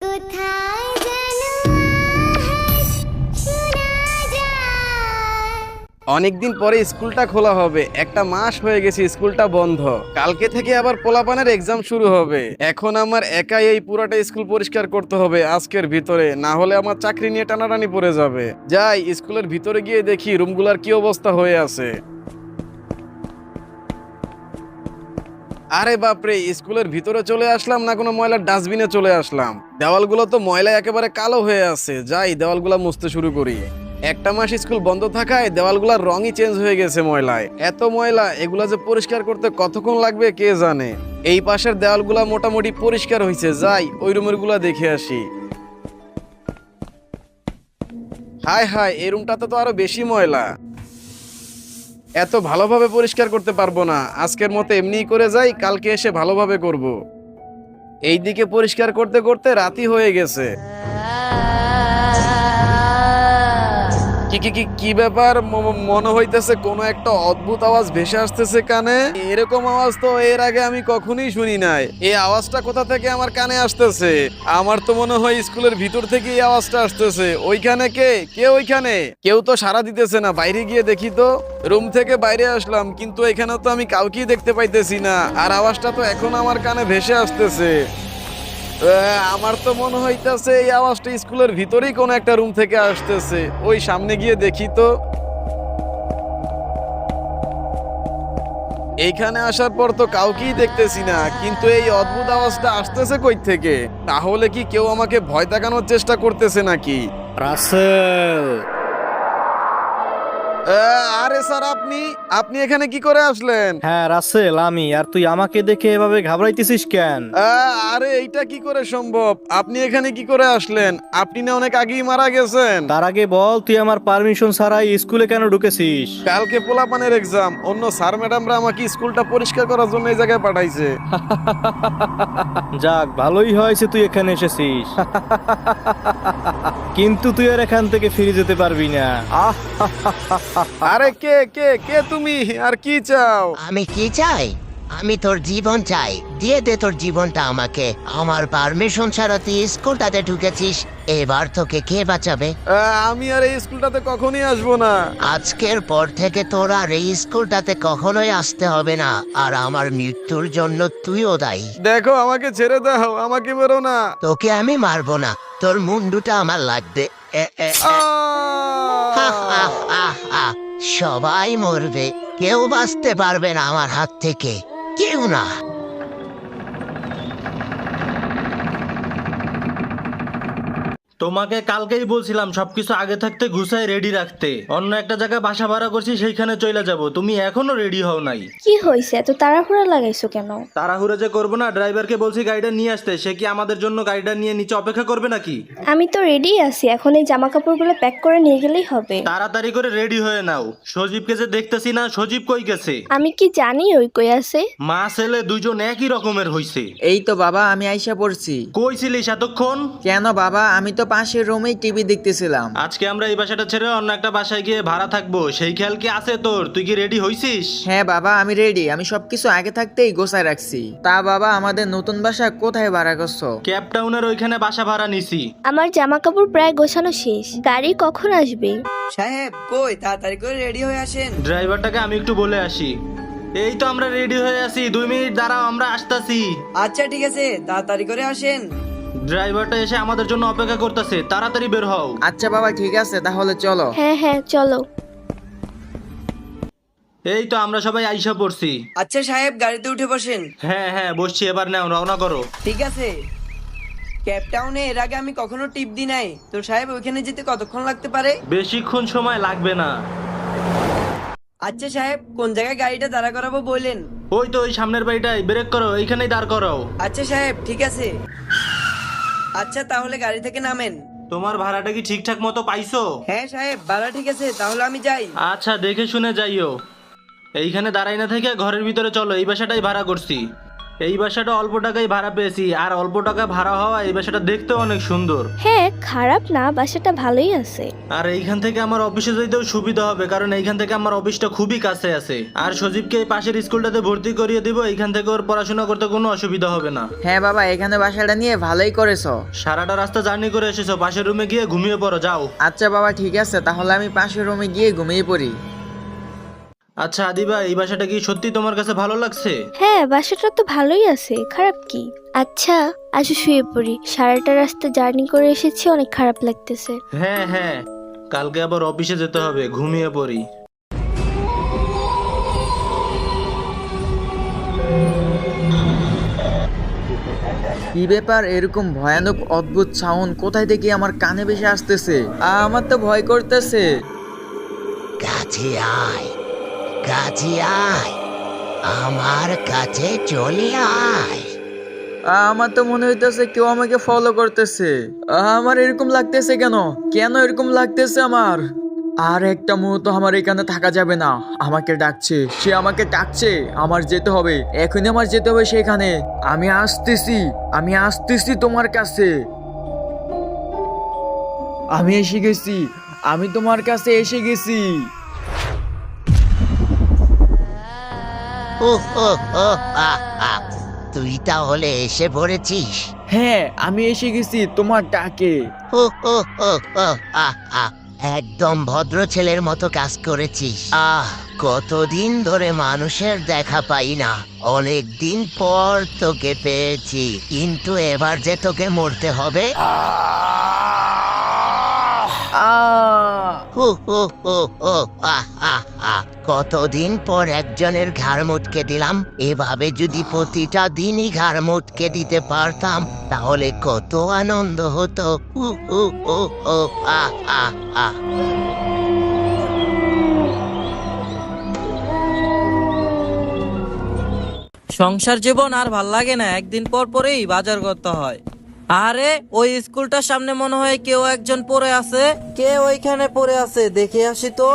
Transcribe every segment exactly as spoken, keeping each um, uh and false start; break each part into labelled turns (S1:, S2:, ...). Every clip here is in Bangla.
S1: কোথায় যেন আহাস শোনা যায়।
S2: অনেকদিন পরে স্কুলটা খোলা হবে, একটা মাস হয়ে গেছে স্কুলটা বন্ধ। কালকে থেকে আবার পোলাপানের এক্সাম শুরু হবে। এখন আমার একাই এই পুরোটা স্কুল পরিষ্কার করতে হবে আজকের ভিতরে, না হলে আমার চাকরি নিয়ে টানাটানি পড়ে যাবে। যাই স্কুলের ভিতরে গিয়ে দেখি রুমগুলার কি অবস্থা হয়ে আছে। আরে বাপরে, স্কুলের ভিতরে চলে আসলাম না কোনো ময়লার ডাস্টবিনে চলে আসলাম। দেওয়ালগুলো তো ময়লায় একেবারে কালো হয়ে আছে। যাই দেওয়ালগুলো মুছতে শুরু করি। একটা মাস স্কুল বন্ধ থাকায় দেওয়ালগুলোর রঙই চেঞ্জ হয়ে গেছে ময়লায়। এত ময়লা, এগুলা যে পরিষ্কার করতে কতক্ষণ লাগবে কে জানে। এই পাশের দেওয়ালগুলা মোটামুটি পরিষ্কার হয়েছে। যাই ওই রুমের গুলা দেখে আসি। হায় হায়, এই রুমটাতে তো আরো বেশি ময়লা। এত ভালোভাবে পরিষ্কার করতে পারবো না, আজকের মতো এমনিই করে যাই, কালকে এসে ভালোভাবে করব। এইদিকে পরিষ্কার করতে করতে রাতই হয়ে গেছে। কি কি কি কি ব্যাপার? ম- মনে হইতেছে কোনো একটা অদ্ভুত আওয়াজ ভেসে আসতেছে কানে। এরকম আওয়াজ তো এর আগে আমি কখনোই শুনি নাই। এই আওয়াজটা কোথা থেকে আমার কানে আসতেছে? আমার তো মনে হয় স্কুলের ভিতর থেকে এই আওয়াজটা আসতেছে। ওইখানে কে কে ওইখানে? কেউ তো সাড়া দিতেছে না। বাইরে গিয়ে দেখি তো। রুম থেকে বাইরে আসলাম, কিন্তু এখানে তো আমি কাউকেই দেখতে পাইতেছি না। আর আওয়াজটা তো এখন আমার কানে ভেসে আসতেছে। আহ, আমার তো মনে হইতাছে এই আওয়াজটা স্কুলের ভিতরেই কোনো একটা রুম থেকে আসতেছে। ওই সামনে গিয়ে দেখি তো। এইখানে আসার পর তো কাউকেই দেখতেছি না, কিন্তু এই অদ্ভুত আওয়াজটা আসতেছে কই থেকে? তাহলে কি কেউ আমাকে ভয় দেখানোর চেষ্টা করতেছে নাকি?
S3: রাসেল,
S2: আহ, আরে স্যার, আপনি আপনি এখানে কি করে আসলেন?
S3: হ্যাঁ রাসেল আমি। আর তুই আমাকে দেখে এভাবে ঘাবড়াইতেছিস কেন?
S2: আহ, আরে এইটা কি করে সম্ভব? আপনি এখানে কি করে আসলেন? আপনি না অনেক আগেই মারা গেছেন।
S3: তার আগে বল, তুই আমার পারমিশন ছাড়াই স্কুলে কেন ঢুকেছিস?
S2: কালকে পোলাপানের এক্সাম, অন্য স্যার ম্যাডামরা আমাকে স্কুলটা পরিষ্কার করার জন্য এই জায়গায় পাঠাইছে।
S3: যাক, ভালোই হয়েছে তুই এখানে এসেছিস। কিন্তু তুই আর এখান থেকে ফিরে যেতে পারবি না। আহ,
S2: আরে কে কে কে তুমি? আর কি চাও?
S4: আমি কি চাই? আমি তোর জীবন চাই। দিয়ে দে তোর জীবনটা আমাকে। আমার পারমিশন ছাড়া তুই স্কুলটাতে ঢুকেছিস। এবার তোকে কে বাঁচাবে?
S2: আহ, আমি আর এই স্কুলটাতে কখনই আসবো না।
S4: আজকের পর থেকে তোর আর এই স্কুলটাতে কখনোই আসতে হবে না। আর আমার মৃত্যুর জন্য তুইও দায়ী।
S2: দেখো, আমাকে ছেড়ে দাও, আমাকে বেরো না।
S4: তোকে আমি মারবো না, তোর মুন্ডুটা আমার লাগবে। এ, এ, এ। হা, হা,
S2: আহ!
S4: হা, হা। সবাই মরবে, কেউ বাঁচতে পারবে না আমার হাত থেকে, কেউ না।
S3: তোমাকে কালকেই বলছিলাম সবকিছু আগে থাকতে গুছাই রেডি রাখতে। অন্য একটা জায়গায় বাসা ভাড়া করছি, সেইখানে চলে যাব। তুমি এখনো রেডি হও নাই।
S5: কি হয়েছে, এত তাড়াহুড়া লাগাইছো কেন?
S3: তাড়াহুড়ো যে করবো না, ড্রাইভারকে বলছি গাড়িটা নিয়ে আসতে। সে কি আমাদের জন্য গাড়িটা নিয়ে নিচে অপেক্ষা করবে নাকি?
S5: আমি তো রেডি আছি, এখন এই জামা কাপড়গুলো প্যাক করে নিয়ে গেলেই হবে।
S3: তাড়াতাড়ি করে রেডি হয়ে নাও। সজীবকে যে দেখতেছি না, সজীব কই গেছে?
S5: আমি কি জানি ওই কই আছে?
S3: মা ছেলে দুইজন একই রকমের হইছে।
S6: এই তো বাবা, আমি আইসা পড়ছি।
S3: কই ছিলিস এতক্ষণ?
S6: কেন বাবা, আমি তো পাশের রুমেই টিভি দেখতেছিলাম।
S3: আজকে আমরা এই বাসাটা ছেড়ে অন্য একটা বাসায় গিয়ে ভাড়া থাকবো, সেই খেয়াল কি আছে তোর? তুই কি রেডি হইছিস?
S6: হ্যাঁ বাবা, আমি রেডি। আমি সবকিছু আগে থাকতেই গোছায় রাখছি। তা বাবা, আমাদের নতুন বাসা কোথায় ভাড়া করছো?
S3: ক্যাপটাউনের ওইখানে বাসা ভাড়া নিছি।
S5: আমার জামা কাপড় প্রায় গোছানো শেষ, গাড়ি কখন আসবে?
S7: সাহেব কই, তাড়াতাড়ি করে রেডি হয়ে আসেন।
S3: ড্রাইভারটাকে আমি একটু বলে আসি। এই তো আমরা রেডি হয়ে আছি, দুই মিনিট দাঁড়াও, আমরা আসতাছি।
S7: আচ্ছা ঠিক আছে, তাড়াতাড়ি করে আসেন।
S3: ড্রাইভারটা এসে আমাদের জন্য অপেক্ষা করতেছে, তাড়াতাড়ি বের হও।
S6: আচ্ছা বাবা, ঠিক আছে, তাহলে চলো।
S5: হ্যাঁ হ্যাঁ চলো।
S3: এই তো আমরা সবাই আইসা পড়ছি।
S7: আচ্ছা সাহেব, গাড়িতে উঠে বসেন।
S3: হ্যাঁ হ্যাঁ বসছি, এবার নাও, রওনা করো।
S7: ঠিক আছে। ক্যাপটাউনে এর আগে আমি কখনো টিপ দি নাই তো সাহেব, ওইখানে যেতে কতক্ষণ লাগতে পারে?
S3: বেশিক্ষণ সময় লাগবে না।
S7: আচ্ছা সাহেব, কোন জায়গায় গাড়িটা দাঁড়া করাবো বললেন?
S3: ওই তো ওই সামনের বাড়িটাই, ব্রেক করো, এইখানেই দাঁড় করাও।
S7: আচ্ছা সাহেব, ঠিক আছে। আচ্ছা তাহলে গাড়ি থেকে নামেন।
S3: তোমার ভাড়াটা কি ঠিকঠাক মতো পাইছো?
S7: হ্যাঁ সাহেব, ভাড়া ঠিক আছে, তাহলে আমি যাই।
S3: আচ্ছা দেখে শুনে যাইও। এইখানে দাঁড়াই না থেকে ঘরের ভিতরে চলো, এই বাসাটাই ভাড়া করছি। এই বাসাটা অল্প টাকায় ভাড়া পেয়েছি, আর অল্প টাকা ভাড়া হওয়া এই বাসাটা দেখতেও অনেক সুন্দর।
S5: হ্যাঁ, খারাপ না, বাসাটা ভালোই আছে।
S3: আর এইখান থেকে আমার অফিসে যেতেও সুবিধা হবে, কারণ এইখান থেকে আমার অফিসটা খুবই কাছে আছে। আর সজীবকে এই পাশের স্কুলটাতে ভর্তি করিয়ে দিব, এইখান থেকে ওর পড়াশোনা করতে কোনো অসুবিধা হবে না।
S6: হ্যাঁ বাবা, এখানে বাসাটা নিয়ে ভালোই করেছো।
S3: সারাটা রাস্তা জার্নি করে এসেছো, পাশের রুমে গিয়ে ঘুমিয়ে পড়ো, যাও।
S6: আচ্ছা বাবা ঠিক আছে, তাহলে আমি পাশের রুমে গিয়ে ঘুমিয়ে পড়ি।
S3: আচ্ছা আদিবা, এই বাসাটা কি সত্যি তোমার কাছে ভালো লাগছে?
S5: হ্যাঁ, বাসাটা তো ভালোই আছে, খারাপ কি? আচ্ছা আসো শুয়ে পড়ি, সারাটা রাস্তা জার্নি করে এসেছি, অনেক খারাপ লাগতেছে।
S3: হ্যাঁ হ্যাঁ, কালকে আবার অফিসে যেতে হবে, ঘুমিয়ে পড়ি।
S6: কি ব্যাপার, এরকম ভয়ানক অদ্ভুত সাউন্ড কোথায় থেকে আমার কানে ভেসে আসতেছে? আমার তো ভয় করতেছে।
S4: কাছে আয়, কাছে আয়, আমার কাছে চলে আয়।
S6: আমার তো মনে হইতেছে কেউ আমাকে ফলো করতেছে। আমার এরকম লাগতেছে কেন? কেন এরকম লাগতেছে আমার? আর একটা মুহূর্ত আমার এখানে থাকা যাবে না। আমাকে ডাকছে, সে আমাকে ডাকছে, আমার যেতে হবে, এখনই আমার যেতে হবে সেখানে। আমি আসতেছি, আমি আসতেছি তোমার কাছে। আমি এসে গেছি, আমি তোমার কাছে এসে গেছি।
S4: ও ও ও আ আ তুই তাহলে এসে পড়েছিস?
S6: হ্যাঁ, আমি এসে গেছি তোমার ডাকে।
S4: ও ও ও ও আ আ একদম ভদ্র ছেলের মতো কাজ করেছিস। আহ, কতদিন ধরে মানুষের দেখা পাই না, অনেক দিন পর তোকে পেয়েছি, কিন্তু এবার যে তোকে মরতে হবে।
S6: আহ
S4: হু হু হু হু আহ আহ আহ কতদিন পর একজনের ঘাড় মুটকে দিলাম। এভাবে যদি প্রতিটা দিনই ঘাড় মুটকে দিতে পারতাম তাহলে কত আনন্দ হতো। হু হু হু হু আহ আহ আহ
S8: সংসার জীবন আর ভাল লাগে না, একদিন পর পরেই বাজার করতে হয়। আরে ওই স্কুলটার সামনে মনে হয় কেউ একজন পড়ে আছে। কে ওইখানে পড়ে আছে দেখে আসি তো।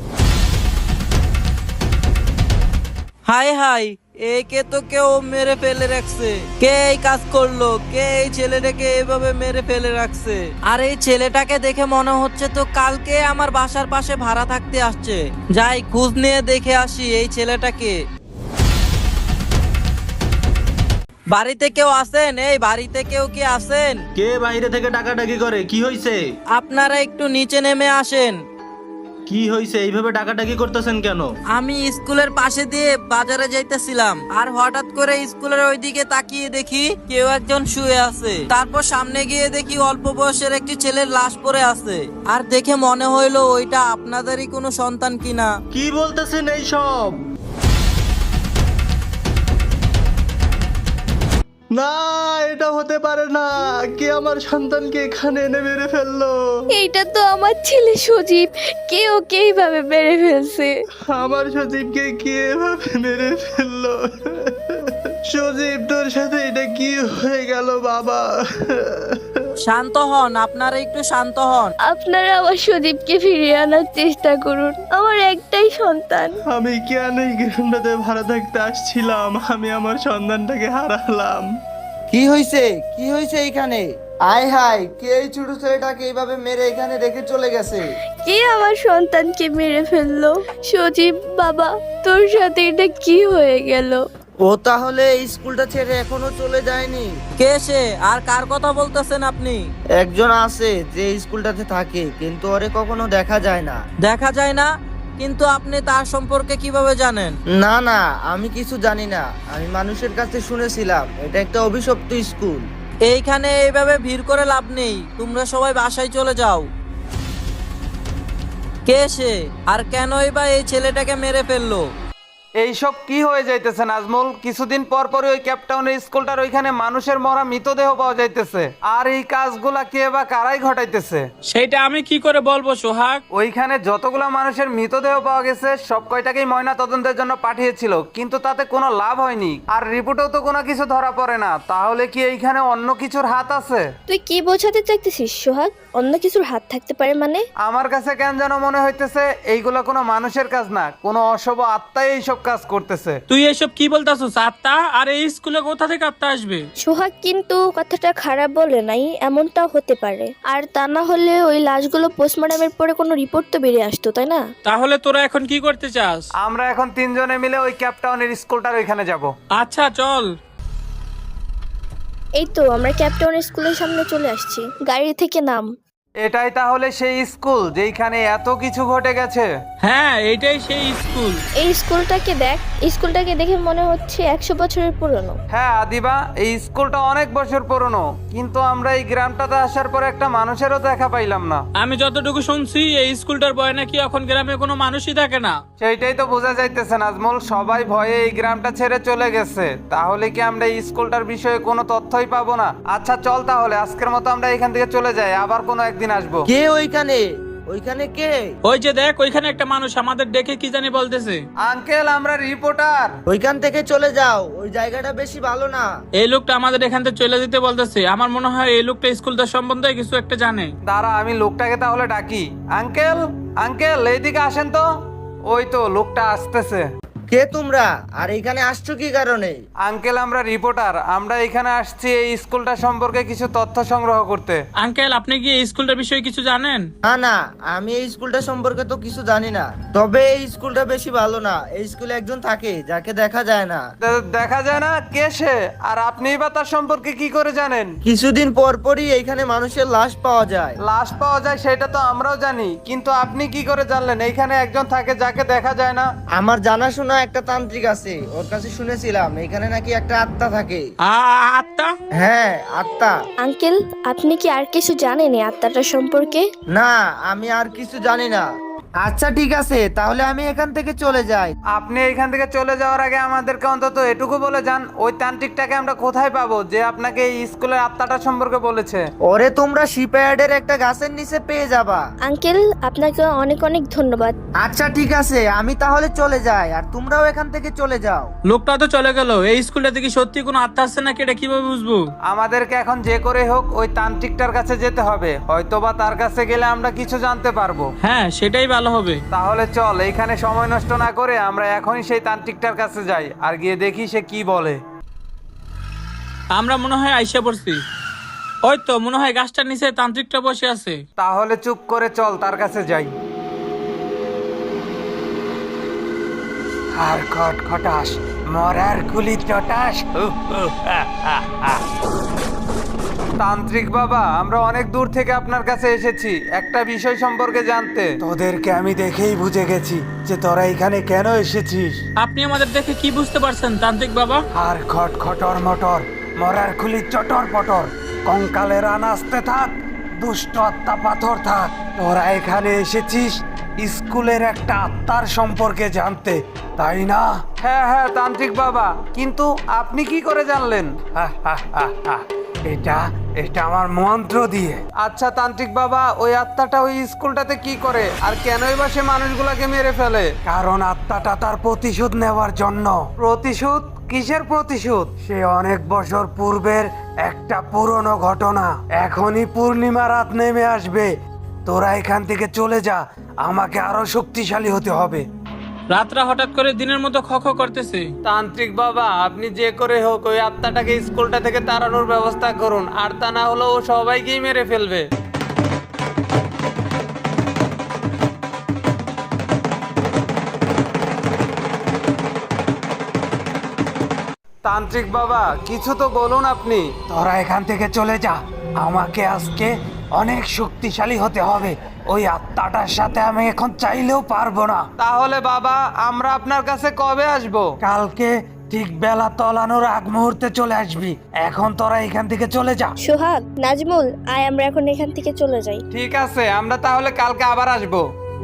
S8: হাই হাই, একে তো কেউ মেরে ফেলে রাখছে। কে এই কাজ করলো? কে এই ছেলেটাকে এইভাবে মেরে ফেলে রাখছে? আর এই ছেলেটাকে দেখে মনে হচ্ছে তো কালকে আমার বাসার পাশে ভাড়া থাকতে আসছে। যাই খোঁজ নিয়ে দেখে আসি এই ছেলেটাকে। বাড়িতে কেউ আছেন? এই বাড়িতে কেউ কি আছেন?
S3: কে বাইরে থেকে ডাকাডাকি করে? কি হয়েছে?
S8: আপনারা একটু নিচে নেমে আসেন।
S3: কি হয়েছে? এইভাবে ডাকাডাকি করতেছেন কেন?
S8: আমি স্কুলের পাশে দিয়ে বাজারে যাইতেছিলাম, আর হঠাৎ করে স্কুলের ওইদিকে তাকিয়ে দেখি কেউ একজন শুয়ে আছে। তারপর সামনে গিয়ে দেখি অল্প বয়সের একটি ছেলের লাশ পড়ে আছে। আর দেখে মনে হইলো ওইটা আপনাদেরই কোনো সন্তান কিনা।
S3: কি বলতেছেন এইসব? না, এটা হতে পারে না। কে আমার সন্তানকে এখানে এনে মেরে ফেললো?
S5: এইটা তো আমার ছেলে সজীব, কে ওকে এইভাবে মেরে ফেলছে।
S3: আমার সজীবকে কে এভাবে মেরে ফেললো? সজীব, তোর সাথে এটা কি হয়ে গেল বাবা?
S8: শান্ত হন, আপনারা একটু শান্ত হন।
S5: আপনারা আমার সজীবকে ফিরিয়ে আনার চেষ্টা করুন, আমার একটাই সন্তান।
S3: আমি কেন এই গ্রামটাতে ভাড়া থাকতে আসছিলাম? আমি আমার সন্তানটাকে হারালাম।
S9: কি হয়েছে? কি হয়েছে এখানে? আয় হায়, কে এই ছোট ছেলেটাকে এইভাবে মেরে এখানে রেখে চলে গেছে?
S5: কে আমার সন্তানকে মেরে ফেললো? সজীব বাবা, তোর সাথে এটা কি হয়ে গেল?
S9: ও তাহলে এই স্কুলটা ছেড়ে এখনো চলে যায়নি?
S8: কে সে? আর কার কথা বলতেছেন আপনি?
S9: একজন আছে যে এই স্কুলটাতে থাকে, কিন্তু ওরে কখনো দেখা যায় না।
S8: দেখা যায় না? কিন্তু আপনি তার সম্পর্কে কিভাবে জানেন?
S9: না না, আমি কিছু জানি না, আমি মানুষের কাছে শুনেছিলাম এটা একটা অভিশপ্ত স্কুল।
S8: এইখানে এইভাবে ভিড় করে লাভ নেই, তোমরা সবাই বাসায় চলে যাও। কে সে? আর কেনই বা এই ছেলেটাকে মেরে ফেললো?
S2: এইসব কি হয়ে যাইতেছে নাজমুল? কিছুদিন পর পরই ওই ক্যাপটাউনের স্কুলটার ওইখানে মানুষের মরা মৃতদেহ পাওয়া যাইতেছে, আর এই কাজগুলা কে বা কারাই ঘটাইতেছে
S10: সেটা আমি কি করে বলবো সোহাগ?
S2: ওইখানে যতগুলা মানুষের মৃতদেহ পাওয়া গেছে সব কয়টাকেই ময়না তদন্তের জন্য পাঠিয়েছিল, কিন্তু তাতে কোনো লাভ হয়নি, আর রিপোর্টেও তো কোনো কিছু ধরা পড়ে না। তাহলে কি এইখানে অন্য কিছুর হাত আছে?
S5: তুই কি বোঝাতে চাইতেছিস সোহাগ? অন্য কিছুর হাত থাকতে পারে মানে?
S2: আমার কাছে কেন যেন মনে হইতেছে এইগুলা কোনো মানুষের কাজ না, কোনো অশুভ আত্মাই এইসব
S11: এসব কাজ করতেছে।
S10: তুই এসব কি বলতাছস? আত্মা? আর এই স্কুলে কোথা থেকে আত্মা আসবে?
S5: সোহাগ কিন্তু কথাটা খারাপ বলে নাই, এমনটাও হতে পারে। আর তা না হলে ওই লাশগুলো পোস্টমর্টমের পরে কোনো রিপোর্ট তো বেরিয়ে আসতো, তাই না?
S10: তাহলে তোরা এখন কি করতে চাস?
S11: আমরা এখন তিনজনে মিলে ওই ক্যাপটাউনের স্কুলটার ওইখানে যাব।
S10: আচ্ছা চল।
S5: এই তো আমরা ক্যাপটাউন স্কুলের সামনে চলে আসছি, গাড়ি থেকে নাম।
S11: এটাই তাহলে সেই স্কুল যেখানে এত কিছু ঘটে গেছে?
S10: হ্যাঁ, এইটাই সেই স্কুল।
S5: এই স্কুলটাকে দেখ, স্কুলটাকে দেখে মনে হচ্ছে একশো বছরের পুরনো।
S11: হ্যাঁ আদিবা, এই স্কুলটা অনেক বছর পুরনো, কিন্তু আমরা এই গ্রামটাতে আসার পর একটা মানুষেরও দেখা পাইলাম না।
S10: আমি যতটুকু শুনছি এই স্কুলটার ভয় নাকি এখন গ্রামে কোনো মানুষই থাকে না।
S11: সেইটাই তো বোঝা যাইতেছে নাজমুল, সবাই ভয়ে এই গ্রামটা ছেড়ে চলে গেছে। তাহলে কি আমরা এই স্কুলটার বিষয়ে কোনো তথ্যই পাবো না? আচ্ছা চল তাহলে আজকের মতো আমরা এখান থেকে চলে যাই, আবার কোনো একদিন আসবো।
S9: কে ওইখানে? ওইখানে কে?
S10: ওই যে দেখ, ওইখানে একটা মানুষ আমাদের দেখে কি জানি বলতেছে।
S11: আঙ্কেল, আমরা রিপোর্টার।
S9: ওইখান থেকে চলে যাও, ওই জায়গাটা বেশি ভালো না।
S10: এই লোকটা আমাদের এখান থেকে চলে যেতে বলতেছে। আমার মনে হয় এই লোকটা স্কুলটা সম্বন্ধে কিছু একটা জানে।
S11: দাঁড়া, আমি লোকটাকে তাহলে ডাকি। আঙ্কেল, আঙ্কেল এইদিকে আসেন তো। ওই তো লোকটা আসতেছে।
S9: কে তোমরা আর এখানে আসছো কি কারণে?
S11: আঙ্কেল, আমরা রিপোর্টার। আমরা এখানে আসছি এই স্কুলটা সম্পর্কে কিছু তথ্য সংগ্রহ করতে।
S10: আঙ্কেল, আপনি কি এই স্কুলটার বিষয়ে কিছু জানেন?
S9: না না, আমি এই স্কুলটা সম্পর্কে তো কিছু জানি না। তবে এই স্কুলটা বেশি ভালো না। এই স্কুলে একজন থাকে যাকে দেখা যায় না।
S11: দে- দেখা যায় না? কে সে? আর আপনি বা তার সম্পর্কে কি করে জানেন?
S9: কিছুদিন পর পরই এইখানে মানুষের লাশ পাওয়া যায়।
S11: লাশ পাওয়া যায় সেটা তো আমরাও জানি, কিন্তু আপনি কি করে জানলেন এইখানে একজন থাকে যাকে দেখা যায় না?
S9: আমার জানাশোনা একটা তান্ত্রিক আছে, ওর কাছে শুনেছিলাম এখানে নাকি একটা আত্মা থাকে।
S10: আ- আত্মা?
S9: হ্যাঁ, আত্মা।
S5: আঙ্কেল, আপনি কি আর কিছু জানেন এই আত্মাটার সম্পর্কে?
S9: না, আমি আর কিছু জানি না। আচ্ছা ঠিক আছে, তাহলে আমি এখান থেকে চলে যাই।
S11: আপনি এখান থেকে চলে যাওয়ার আগে আমাদেরকে অন্তত এটুকু বলে যান, ওই তান্ত্রিকটাকে আমরা কোথায় পাবো যে আপনাকে এই স্কুলের আত্মাটা সম্পর্কে বলেছে?
S9: ওরে তোমরা শিপইয়ার্ডের একটা গাছের নিচে পেয়ে যাবা।
S5: আঙ্কেল, আপনাকে অনেক অনেক ধন্যবাদ।
S9: আচ্ছা ঠিক আছে, আমি তাহলে চলে যাই, আর তোমরাও এখান থেকে চলে যাও।
S10: লোকটা তো চলে গেল। এই স্কুলটাতে কি সত্যি কোনো আত্মা আছে নাকি এটা কিভাবে বুঝবো?
S11: আমাদেরকে এখন যে করে হোক ওই তান্ত্রিকটার কাছে যেতে হবে, হয়তোবা তার কাছে গেলে আমরা কিছু জানতে পারবো।
S10: হ্যাঁ, সেটাই ভালো হবে।
S11: তাহলে চল, এইখানে সময় নষ্ট না করে আমরা এখনই সেই তান্ত্রিকটার কাছে যাই আর গিয়ে দেখি সে কি বলে।
S10: আমরা মনে হয় আইসা পড়ছি। ওই তো মনে হয় গাছটার নিচে তান্ত্রিকটা বসে আছে।
S11: তাহলে চুপ করে চল তার কাছে যাই। আর খটখটাস মরার গুলি চটাস। তান্ত্রিক বাবা, আমরা অনেক দূর থেকে আপনার কাছে এসেছি একটা বিষয় সম্পর্কে জানতে। তোদেরকে আমি দেখেই বুঝে গেছি যে তোরা এখানে কেন এসেছিস।
S10: আপনি আমাদের দেখে কি বুঝতে পারছেন তান্ত্রিক বাবা?
S11: আর খটখটর মটর মরার খুলি চটর পটর, কঙ্কালের রান আসতে থাক, দুষ্ট আত্মা পাথর থাক। তোরা এখানে এসেছিস স্কুলের একটা আত্মার সম্পর্কে জানতে, তাই না? হ্যাঁ হ্যাঁ তান্ত্রিক বাবা, কিন্তু আপনি কি করে জানলেন? এটা এটা আমার মন্ত্র দিয়ে। আচ্ছা তান্ত্রিক বাবা, ওই আত্মাটা ওই স্কুলটাতে কি করে আর কেনই বা সে মানুষগুলাকে মেরে ফেলে? কারণ আত্মাটা তার প্রতিশোধ নেওয়ার জন্য। প্রতিশোধ? কিসের প্রতিশোধ? সে অনেক বছর পূর্বের একটা পুরনো ঘটনা। এখনই পূর্ণিমা রাত নেমে আসবে, তোরা এখান থেকে চলে যা, আমাকে আরো শক্তিশালী হতে হবে।
S10: রাতরা হঠাৎ করে দিনের মতো খ খ করতেছে।
S11: তান্ত্রিক বাবা, আপনি যে করে হোক ওই আত্মাটাকে স্কুলটা থেকে তাড়ানোর ব্যবস্থা করুন, আর তা না হলে ও সবাইকেই মেরে ফেলবে। তান্ত্রিক বাবা, কিছু তো বলুন আপনি। তোরা এখান থেকে চলে যা, আমাকে আজকে অনেক শক্তিশালী হতে হবে। ওই আত্মাটার সাথে আমি এখন চাইলেও পারবো না। তাহলে বাবা, আমরা আপনার কাছে কবে আসবো? কালকে ঠিক বেলা তলানোর আগ মুহূর্তে চলে আসবি। এখন তোরা এখান থেকে চলে যা।
S5: সোহাগ, নাজমুল, আয় আমরা এখন এখান থেকে চলে যাই।
S11: ঠিক আছে, আমরা তাহলে কালকে আবার আসবো।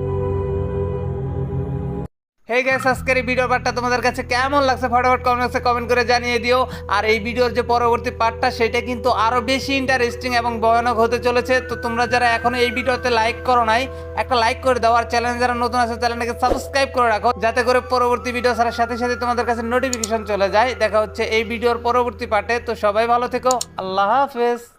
S11: হেই গাইস, আজকের এই ভিডিওর পার্টটা তোমাদের কাছে কেমন লাগছে ফটাফট কমেন্ট বক্সে কমেন্ট করে জানিয়ে দিও। আর এই ভিডিওর যে পরবর্তী পার্টটা সেটা কিন্তু আরো বেশি ইন্টারেস্টিং এবং ভয়ানক হতে চলেছে। তো তোমরা যারা এখনো এই ভিডিওতে লাইক করো নাই, একটা লাইক করে দাও। আর চ্যানেল যারা নতুন আছে চ্যানেলটাকে সাবস্ক্রাইব করে রাখো, যাতে করে পরবর্তী ভিডিও ছাড়ার সাথে সাথে তোমাদের কাছে নোটিফিকেশন চলে যায়। দেখা হচ্ছে এই ভিডিওর পরবর্তী পার্টে। তো সবাই ভালো থেকো, আল্লাহ হাফেজ।